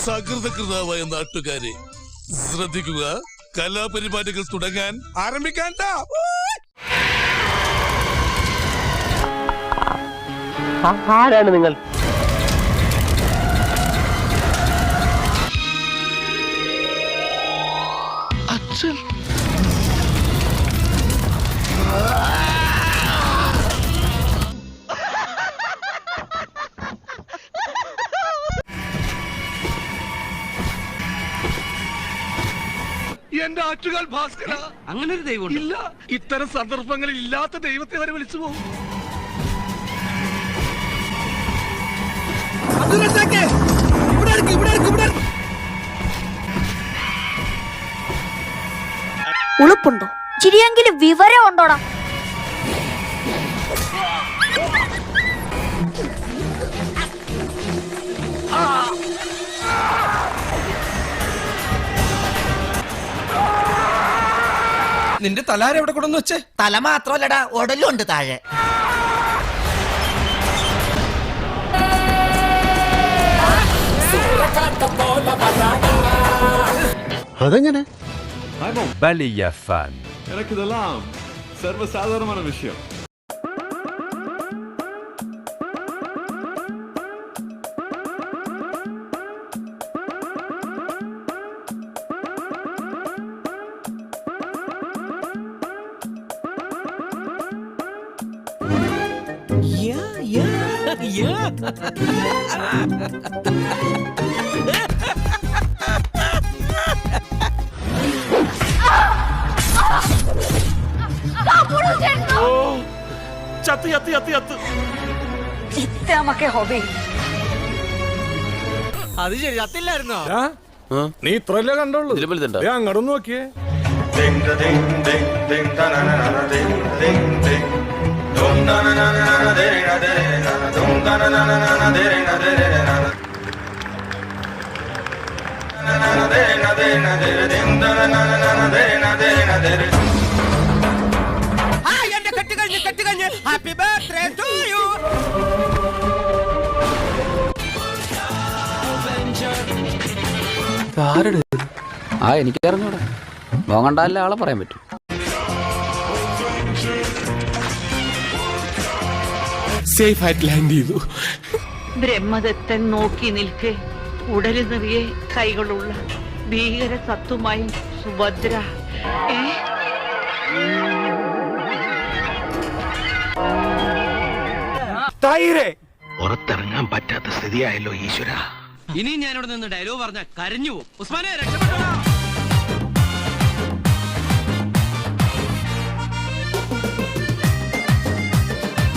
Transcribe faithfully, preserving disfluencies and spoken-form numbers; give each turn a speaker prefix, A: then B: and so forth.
A: സകൃതകൃതാവായ നാട്ടുകാരെ ശ്രദ്ധിക്കുക, കലാപരിപാടികൾ തുടങ്ങാൻ ആരംഭിക്കാൻ.
B: ആരാണ് നിങ്ങൾ?
A: അച്ഛൻ. എന്റെ ആറ്റുകാൽ ഭാസ്കര,
C: അങ്ങനെ ഒരു ദൈവം
A: ഇല്ല. ഇത്തരം സന്ദർഭങ്ങളിൽ ഇല്ലാത്ത ദൈവത്തെ വരെ വിളിച്ചു പോകും.
D: ഉളുപ്പുണ്ടോ? ചിരിയെങ്കിലും വിവരം ഉണ്ടോടാ?
C: നിന്റെ തലാര എവിടെ കൊണ്ടെന്ന് വെച്ചേ?
E: തല മാത്രല്ലടാ, ഉടലുണ്ട് താഴെ.
B: അതെങ്ങനെ?
F: വലിയ ഫാൻ.
G: എനിക്കിതെല്ലാം സർവ്വസാധാരണമായ വിഷയം.
A: ചത്ത് ചത്ത് ചത്ത് ചത്ത്
D: ഇത്രമൊക്കെ ഹോബി.
C: അത് ശരി, ചത്തില്ലായിരുന്നോ?
G: നീ ഇത്രല്ലേ കണ്ടോളൂ. അങ്ങോട്ടൊന്ന് നോക്കിയേ.
E: എന്റെ കെട്ട് കഴിഞ്ഞ് കെട്ട് കഴിഞ്ഞ് ഹാപ്പി ബർത്ത്ഡേ ടു യു.
H: ആ എനിക്ക് അറിഞ്ഞൂടാ, മോങ്ങണ്ടല്ല ആളെ പറയാൻ പറ്റും.
A: സേഫ് ആയിട്ട് ലാൻഡ് ചെയ്തു.
I: ബ്രഹ്മദത്തൻ നോക്കി നിൽക്കെ ഉടലു നിറയെ കൈകളുള്ള ഭീകര സത്തുമായി സുഭദ്ര.
C: പുറത്തിറങ്ങാൻ പറ്റാത്ത സ്ഥിതിയായല്ലോ ഈശ്വര. ഇനി ഞാനിവിടെ നിന്ന് ഡയലോഗ് പറഞ്ഞ കരഞ്ഞു പോകും. ഉസ്മാനെ രക്ഷപ്പെട്ടോ.